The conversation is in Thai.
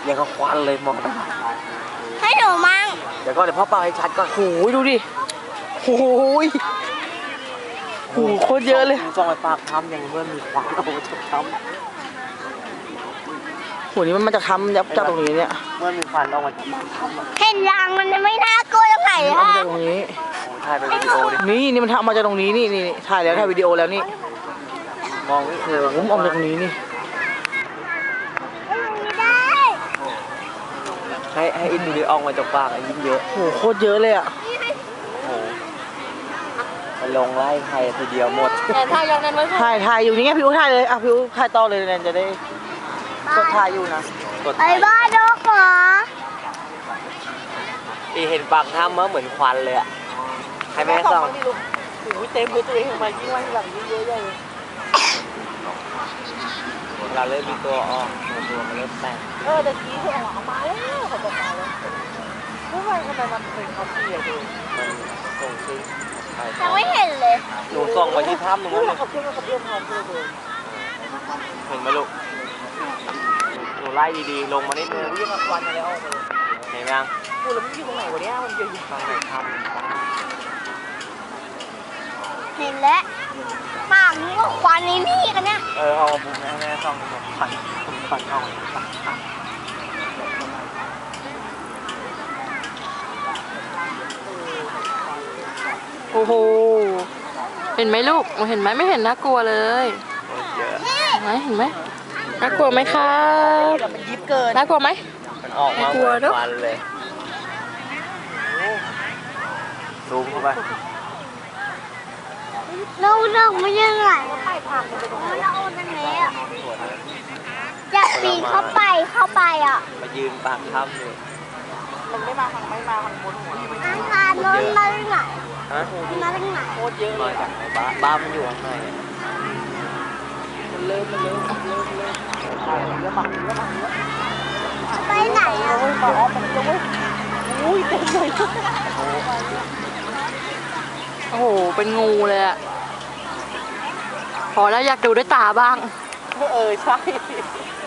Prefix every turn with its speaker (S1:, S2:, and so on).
S1: ยังก็ควันเลยมองไป
S2: ให้หนูมั่ง
S1: เดี๋ยวก็เดี๋ยวพ่อเป่าให้ชัดก่อน
S3: โอ้ยดูดิโอ้ยโอ้โคตรเยอะเลย
S1: ส่องไปปากทำอย่างเมื่อมีควันโอ้จะทำ
S3: โหนี่มันจะทำยับจากตรงนี้เนี่ย
S1: เมื่อมีควันออกมา
S2: เห็นยางมันไม่น่ากลัวตรงไหนฮะ
S3: ตรงนี้
S1: ถ่ายเป็นวิดีโอดิ
S3: นี่มันทำมาจากตรงนี้นี่ถ่ายแล้วถ่ายวิดีโอแล้วนี่
S1: มองไม่เห็น
S3: ผมออกจากตรงนี้นี่
S1: ให้อินดูดิออกมาจากปากยิ่งเยอะ
S3: โหโคตรเยอะเลยอ่ะ
S1: โอ้ไปลงไล่ใครทีเดียวหมด
S2: ถ่ายยังนั้นไว้
S3: ถ่ายอยู่นี่ไงพี่อู๋ถ่ายเลยอ่ะพี่อู๋ถ่ายต่อเลยเนี่ยจะได้กดถ่ายอยู่นะ
S2: ไอ้บ้าดอกหรอ
S1: เห็นปากถ้ำเหมือนควันเลยอ่ะให้แม่ส่อง
S3: โอ้ยเต็มเลยตัวเองออกมายิ่งว่าหลังยิ่งเยอะใหญ่เลย
S1: เราเริ่มมีตัวออกตัวมันเริ่มแตก
S3: ตะกี้คือออกมาแล้วเขาบอกมาแล้วทำไมมันเป็นเขาเสียดู
S1: มันส่งซิง
S2: ยังไม่เห็นเลย
S1: หนูส่องไปที่ถ้ำตรงนั้นเลย
S3: เขาเพื่อนพร้อมเลย
S1: เห็นไหมลูกหนูไล่ดีๆลงมานิดนึง
S3: วิ่งมาควันอะไรออกมา
S1: เห็นไหมยัง
S3: กูแล้วมันอยู่ตรงไหนวะเนี่ยมันเยอะอยู่
S1: ตรงไหนถ้ำ
S2: เห็นแล้วปากนี้ก็ควันนี่กันเนี่ย
S1: เอาบุ้งแม่ส่องควันออก
S4: โอ้โหเห็นไหมลูกเห็นไหมไม่เห็นน่ากลัวเลยเห็นไหมน่ากลัวไหมครับ
S3: มันยิบเกิน
S4: น่ากลัวไหม
S1: มันออกมาเหมือนควันเลยซูมเข้าไป
S2: เราไม่ยังไงไปผักมันเอาตรงนี้อ่ะอยากปีนเข้าไปอ่ะ
S1: มายืนปากถ้ำเลย
S3: มันไม่มาทางบนหัว
S2: อาคารนนมาได้ไง
S1: ฮะ
S2: มาได้ไง
S3: โคตรเยอะ
S1: มาจากไหนบ้านมันอยู่ข้างใน
S3: มันเริ่มเยอะมาก
S2: ไปไหนอ่ะ
S3: มาออกมันจะอุ้ยเต็มเลย
S4: โอ้โหเป็นงูเลยอะพอแล้วอยากดูด้วยตาบ้าง
S3: ใช่